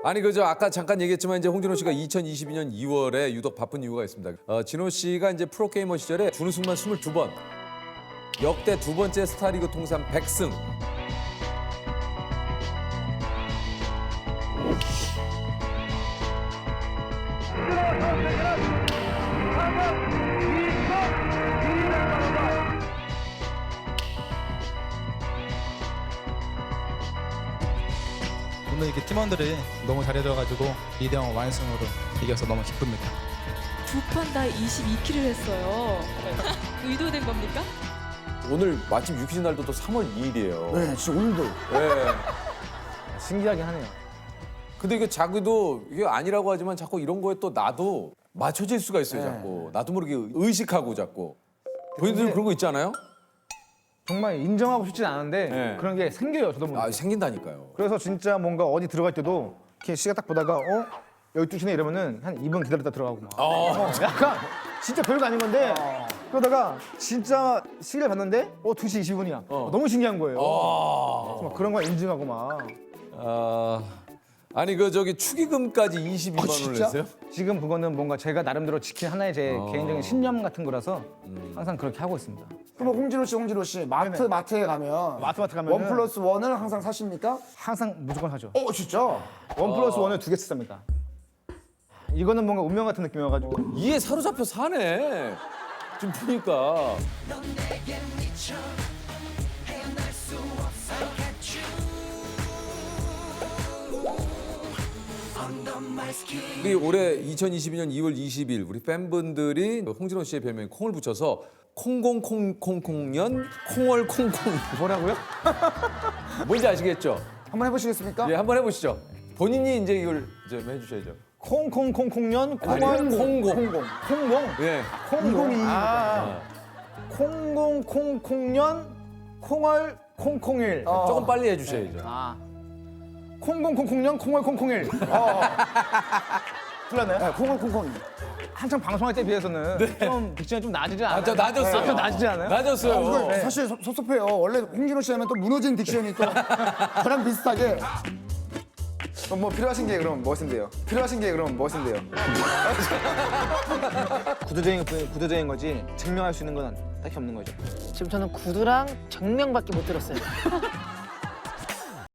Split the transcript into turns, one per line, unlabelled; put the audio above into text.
아니 그저 아까 잠깐 얘기했지만 이제 홍진호 씨가 2022년 2월에 유독 바쁜 이유가 있습니다. 진호 씨가 이제 프로게이머 시절에 준우승만 22번, 역대 두 번째 스타리그 통산 100승.
오늘 이렇게 팀원들이 너무 잘해줘가지고 2대0 완승으로 이겨서 너무 기쁩니다.
두 판 다 22킬을 했어요. 의도된 겁니까?
오늘 마침 유퀴즈 날도 또 3월 2일이에요.
네, 진짜 오늘도.
네.
신기하긴 하네요.
근데 이게 자기도 이게 아니라고 하지만 자꾸 이런 거에 또 나도 맞춰질 수가 있어요, 자꾸. 나도 모르게 의식하고 자꾸. 본인들은 그런 거 있지 않아요?
정말 인정하고 싶진 않은데
네.
그런 게 생겨요, 저도 모르게.
아, 생긴다니까요.
그래서 진짜 뭔가 어디 들어갈 때도 이렇게 시간 딱 보다가 12시네 이러면은 한 2분 기다렸다 들어가고 막. 약간 진짜 별거 아닌 건데 그러다가 진짜 시계를 봤는데 2시 20분이야. 너무 신기한 거예요. 그래서 막 그런 거 인증하고 막.
아니 그 저기 축의금까지 22만 원을 냈어요?
지금 그거는 뭔가 제가 나름대로 지킨 하나의 제 개인적인 신념 같은 거라서 항상 그렇게 하고 있습니다.
그럼 홍진호 씨, 마트에 가면
마트 가면은
1+1을 항상 사십니까?
항상 무조건 하죠.
진짜?
1+1을 2개 씁니다. 이거는 뭔가 운명 같은 느낌이어가지고.
이에 사로잡혀 사네. 좀 보니까. 우리 올해 2022년 2월 20일 우리 팬분들이 홍진호 씨의 별명에 콩을 붙여서 콩공콩콩콩년 콩월콩콩
뭐라고요?
뭔지 아시겠죠?
한번 해보시겠습니까?
예, 한번 해보시죠. 본인이 이제 이걸 좀 해주셔야죠.
콩콩콩콩년
아니,
콩월
콩공.
콩공
예.
콩공이 콩공콩콩년 콩월 콩콩일
조금 빨리 해주셔야죠.
콩공콩콩년 콩월 콩콩일 틀렸나요?
네, 콩콩콩콩.
한창 방송할 때에 비해서는 좀 딕션이 좀 낮지 않아요?
저 낮았어요.
좀 낮지 않아요?
낮았어요.
사실 섭섭해요. 원래 홍진호 씨 하면 또 무너진 딕션이 또 저랑 비슷하게.
뭐 필요하신 게 그럼 무엇인데요?
구두쟁인 거지 증명할 수 있는 건 딱히 없는 거죠.
지금 저는 구두랑 정명밖에 못 들었어요.